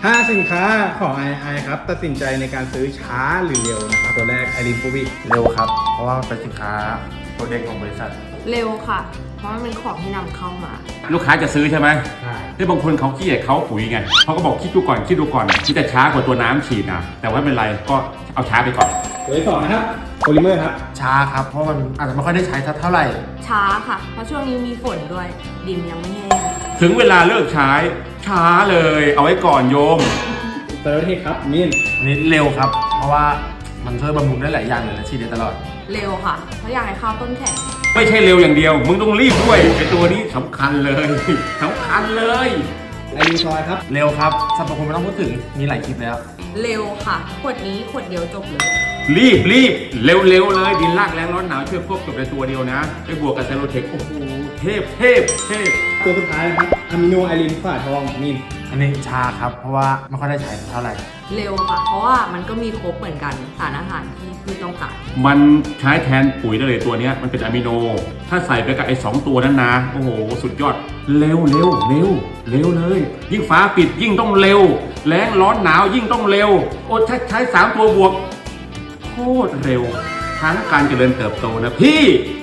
ถ้าสินค้าของไอครับตัดสินใจในการซื้อช้าหรือเร็วนะครับตัวแรกไอรินฟูบิเร็วครับ เพราะว่าเป็นสินค้าตัวเด็กของบริษัทเร็วค่ะ เพราะมันเป็นของที่นำเข้ามาลูกค้าจะซื้อใช่ไหมใช่ที่บางคนเขาขี้เกียจเขาปุ๋ยไงเขาก็บอกคิดดูก่อนที่จะช้ากว่าตัวน้ำฉีดนะแต่ว่าไม่เป็นไรก็เอาช้าไปก่อนตัวที่สองนะครับโพลิเมอร์ครับช้าครับ เพราะมันอาจจะไม่ค่อยได้ใช้เท่าไหร่ช้าค่ะ เพราะช่วงนี้มีฝนด้วย ดินยังไม่แห้งถึงเวลาเลิกใช้ช้าเลยเอาไว้ก่อนโยมตัวที่ครับมินอันนี้เร็วครับ เพราะว่ามันช่วยบำรุงได้หลายอย่างเลยและฉีดได้ตลอดเร็วค่ะ เพราะอยากให้ข้าวต้นแข็งไม่ใช่เร็วอย่างเดียวมึงต้องรีบด้วยไอตัวนี้สำคัญเลยสำคัญเลยไอรินซอยครับเร็วครับสรรพคุณไม่ต้องพูดถึง มีหลายคลิปแล้วเร็วค่ะ ขวดนี้ขวดเดียวจบเลยรีบเร็วเลยดินลากแรงร้อนหนาวช่วยควบจบในตัวเดียวนะไปบวกกับเซโรเทคโอ้โหเทพตัวสุดท้ายนะครับอะมิโนไอรินฝาทองมินอันนี้ช้าครับ เพราะว่าไม่ค่อยได้ใช้เท่าไหร่เร็วค่ะ เพราะว่ามันก็มีครบเหมือนกันสารอาหารที่พืชต้องการมันใช้แทนปุ๋ยได้เลยตัวเนี้ยมันเป็นอะมิโน ถ้าใส่ไปกับไอ้2ตัวนั้นนะโอ้โหสุดยอดเร็วเลย ยิ่งฟ้าปิดยิ่งต้องเร็วแรงร้อนหนาวยิ่งต้องเร็วโอ้ถ้าใช้3ตัวบวกโคตรเร็วทั้งการเจริญเติบโตนะพี่